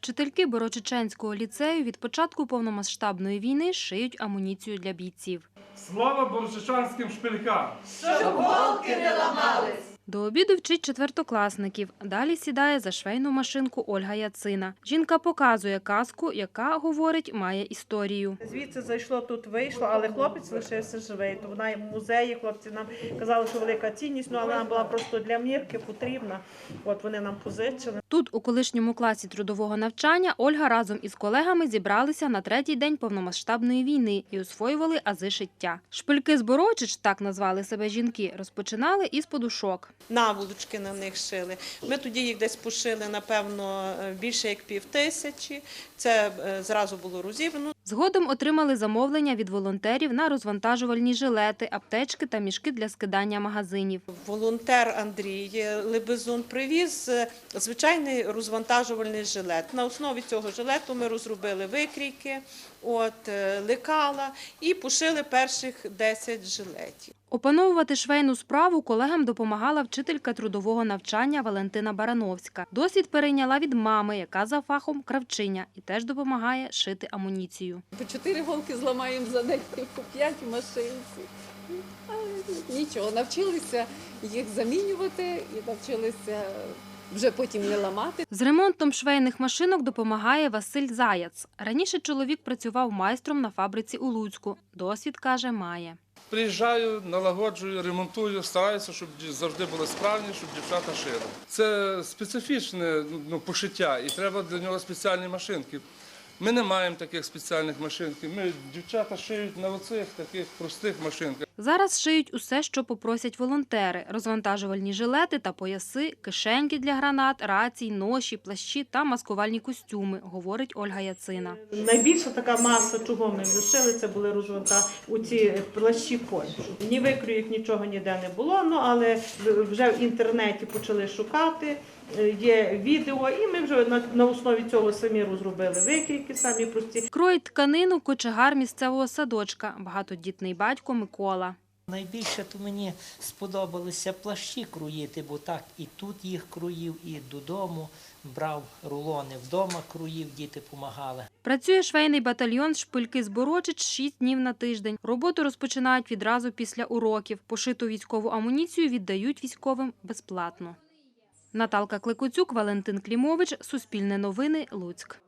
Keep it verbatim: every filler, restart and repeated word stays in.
Вчительки Борочиченського ліцею від початку повномасштабної війни шиють амуніцію для бійців. Слава борочичанським шпилькам! Щоб голки не ламались! До обіду вчить четвертокласників. Далі сідає за швейну машинку Ольга Яцина. Жінка показує казку, яка, говорить, має історію. Звідси зайшло, тут вийшло, але хлопець лишився живий. То вона в музеї, хлопці нам казали, що велика цінність, ну, але вона була просто для мірки потрібна. От вони нам позичили. Тут, у колишньому класі трудового навчання, Ольга разом із колегами зібралися на третій день повномасштабної війни і освоювали ази шиття. Шпильки з Борочич, так назвали себе жінки, розпочинали із подушок. Наволочки на них шили. Ми тоді їх десь пошили, напевно, більше як пів тисячі. Це зразу було розібрано. Згодом отримали замовлення від волонтерів на розвантажувальні жилети, аптечки та мішки для скидання магазинів. Волонтер Андрій Лебезун привіз звичайний розвантажувальний жилет. На основі цього жилету ми розробили викрійки, от, лекала і пошили перших десять жилетів. Опановувати швейну справу колегам допомагала вчителька трудового навчання Валентина Барановська. Досвід перейняла від мами, яка за фахом кравчиня, і теж допомагає шити амуніцію. По чотири голки зламаємо за день, по п'ять в машинці. Але нічого, навчилися їх замінювати і навчилися вже потім не ламати. З ремонтом швейних машинок допомагає Василь Заяц. Раніше чоловік працював майстром на фабриці у Луцьку. Досвід, каже, має. Приїжджаю, налагоджую, ремонтую, стараюся, щоб завжди були справні, щоб дівчата шили. Це специфічне ну, пошиття і треба для нього спеціальні машинки. Ми не маємо таких спеціальних машинків. Ми, дівчата шиють на оцих таких простих машинках. Зараз шиють усе, що попросять волонтери. Розвантажувальні жилети та пояси, кишеньки для гранат, рацій, ноші, плащі та маскувальні костюми, говорить Ольга Яцина. Найбільша така маса, чого ми шили, це були розвантажені у ці плащі пончо. Ні викрійок, нічого ніде не було, ну, але вже в інтернеті почали шукати, є відео, і ми вже на, на основі цього самі розробили викрійки, самі прості. Кроїть тканину кочегар місцевого садочка, багатодітний батько Микола. Найбільше то мені сподобалося плащі кроїти, бо так і тут їх кроїв, і додому брав рулони, вдома кроїв, діти допомагали. Працює швейний батальйон «Шпильки з Борочич» шість днів на тиждень. Роботу розпочинають відразу після уроків. Пошиту військову амуніцію віддають військовим безплатно. Наталка Кликоцюк, Валентин Клімович, Суспільне новини, Луцьк.